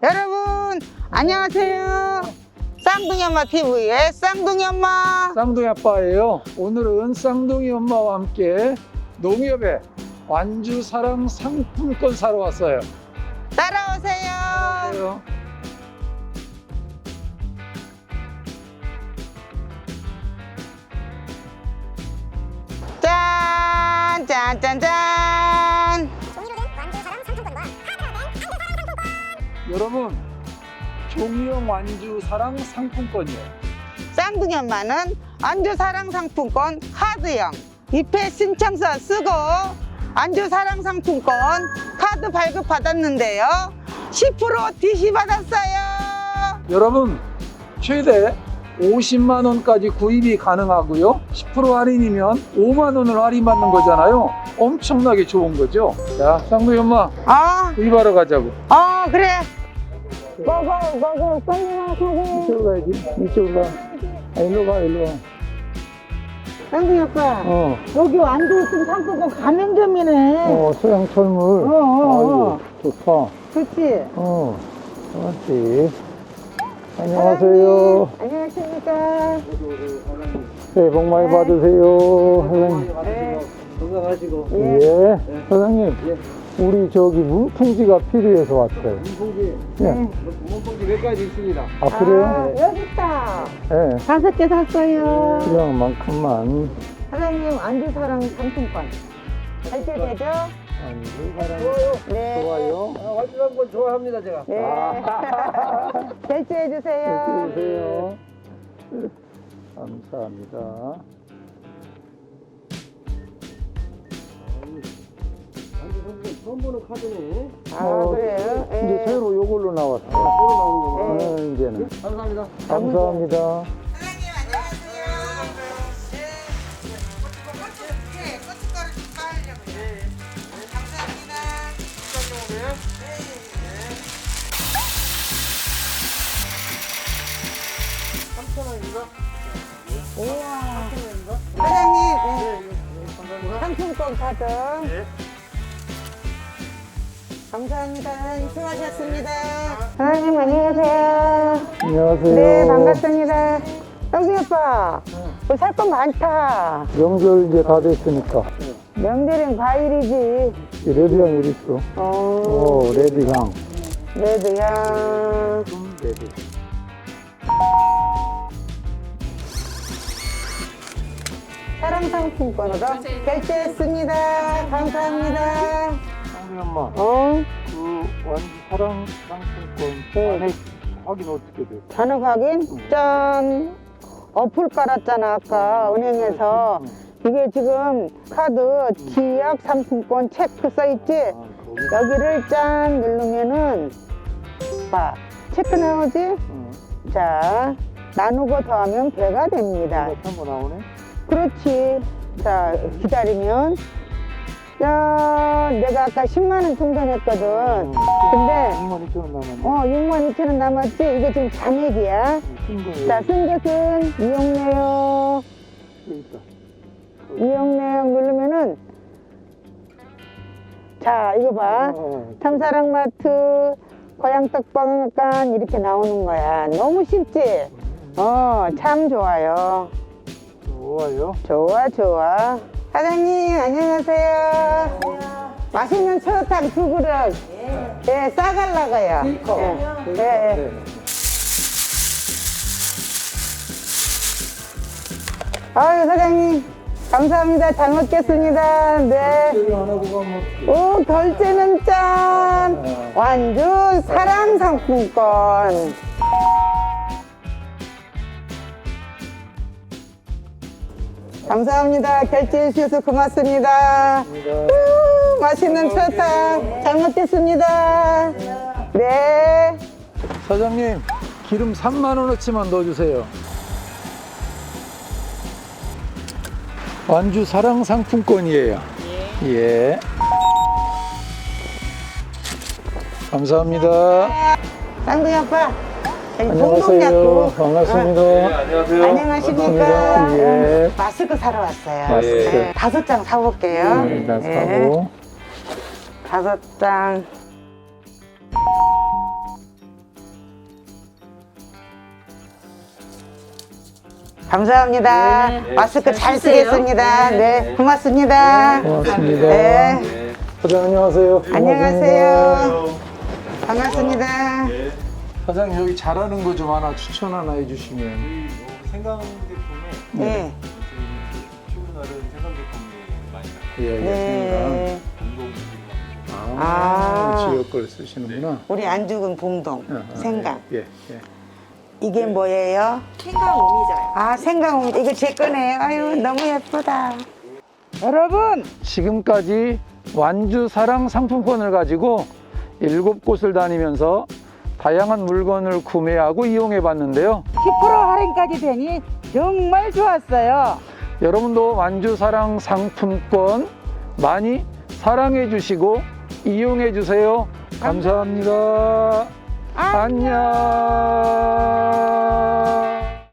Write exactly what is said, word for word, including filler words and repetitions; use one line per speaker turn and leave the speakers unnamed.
여러분 안녕하세요. 쌍둥이 엄마 티비의 쌍둥이 엄마.
쌍둥이 아빠예요. 오늘은 쌍둥이 엄마와 함께 농협에 완주 사랑 상품권 사러 왔어요.
따라오세요.
안녕하세요.
짠, 짠, 짠, 짠.
종이로 된 완주 사랑 상품권과 카드로 된 완주 사랑 상품권.
여러분, 종이형 완주 사랑 상품권이에요.
쌍둥이 엄마는 안주 사랑 상품권 카드형 입회 신청서 쓰고 안주 사랑 상품권 카드 발급 받았는데요. 십 퍼센트 디씨 받았어요.
여러분, 최대 오십만 원까지 구입이 가능하고요. 십 퍼센트 할인이면 오만 원을 할인받는 거잖아요. 엄청나게 좋은 거죠. 자, 쌍둥이 엄마
아,
구입하러 가자고.
어, 그래. 고고, 고고, 쌍둥이 고고.
이쪽으로 가야지. 이쪽으로 가. 아, 일로 가, 일로 가.
쌍둥이 아빠.
어,
여기 완주 상품권 가맹점이네.
어, 소양철물.
어, 어, 어.
아이고, 좋다.
그렇지.
어, 그렇지. 안녕하세요.
안녕하십니까.
새해 복 많이 받으세요. 사장님.
네.
건강하시고.
예. 사장님.
예.
우리 저기 문풍지가 필요해서 왔어요.
문봉지,
예.
문봉지 몇 가지 있습니다.
아, 그래요?
여기 있다.
예.
다섯 개 샀어요.
필요한 만큼만.
사장님 안주사랑 상품권 결제되죠? 네.
좋아요.
아, 완주 한번 좋아합니다, 제가.
네.
아.
결제해 주세요.
해주세요. 감사합니다.
완주 상품 처음 보는 카드네.
아,
어,
그래요? 예.
이제 새로 요걸로 나왔어요.
새로 나오는 거.
어, 이제는.
감사합니다.
감사합니다.
사장님 안녕하세요. 네. 네, 고춧가루 좀 빠으려고요. 네. 감사합니다.
삼천 원인가?
우와.
삼천 원인가?
사장님, 네.
네, 예, 감사합니다.
상품권 카드.
네.
감사합니다. 사장님 수고하셨습니다. 사장님 안녕하세요.
안녕하세요.
네, 반갑습니다. 형수 오빠, 뭐 살 건 많다.
명절 이제 다 됐으니까.
명절엔 과일이지.
이 레드향 어디 있어?
어,
오, 레드향.
레드야.
레드.
사랑 상품권으로 결제했습니다. 감사합니다.
쌍둥이 엄마,
어,
그 완주 사랑 상품권 잔액 확인 어떻게 돼요?
잔액 확인? 짠. 어플 깔았잖아, 아까 은행에서. 이게 지금 카드 지역 상품권 체크 써있지?
아, 거기.
여기를 짠 누르면은 봐, 체크 나오지?
응.
자, 나누고 더하면 배가 됩니다.
이거 한번 나오네?
그렇지. 자, 기다리면. 야, 내가 아까 십만 원 충전했거든. 근데,
육만 이천 원 남았네.
어, 육만 이천 원 남았지? 이게 지금 잔액이야.
쓴 거예요.
자, 쓴 것은 이용 내역,
여기 있다.
이용 내역 누르면은, 자, 이거 봐.
어,
참사랑마트, 고향떡방간 이렇게 나오는 거야. 너무 쉽지? 어, 참 좋아요.
좋아요.
좋아, 좋아. 사장님, 안녕하세요. 맛있는 추어탕 두 그릇. 예, 싸갈라고요. 예, 예.
네.
아유, 사장님. 감사합니다. 잘 먹겠습니다. 네.
이거 하나 보고 한번
오, 결제는 짠! 완주 사랑 상품권. 감사합니다. 결제해 주셔서 고맙습니다. 우, 맛있는 추어탕 잘 먹겠습니다. 네.
사장님, 기름 삼만 원어치만 넣어주세요. 완주 사랑 상품권이에요. 예. 감사합니다.
쌍둥이 아빠.
안녕하세요. 반갑습니다.
안녕하세요.
안녕하십니까.
반갑습니다. 예.
마스크 사러 왔어요.
마스크.
네, 다섯 장 사볼게요.
네, 일단
네.
사고.
다섯 장. 감사합니다.
네.
마스크
잘
잘
쓰세요.
쓰겠습니다.
네.
네, 고맙습니다.
고맙습니다.
네.
네.
사장님 안녕하세요.
안녕하세요. 반갑습니다.
네.
사장님 여기 잘하는 거 좀 하나 추천 하나 해주시면.
저희 요 생강 제품에
네.
저희 출근하는 생강 제품이 많이 나가요.
예, 예,
네.
생강. 아,
아.
지역 걸 쓰시는구나.
우리 안죽은 봉동,
아, 아,
생강.
예, 예.
이게 뭐예요?
생강 오미자요.
아, 생강. 이거 제 거네요. 아유, 너무 예쁘다. 여러분,
지금까지 완주 사랑 상품권을 가지고 일곱 곳을 다니면서 다양한 물건을 구매하고 이용해 봤는데요.
십 퍼센트 할인까지 되니 정말 좋았어요.
여러분도 완주 사랑 상품권 많이 사랑해 주시고 이용해 주세요. 감사합니다. 안녕.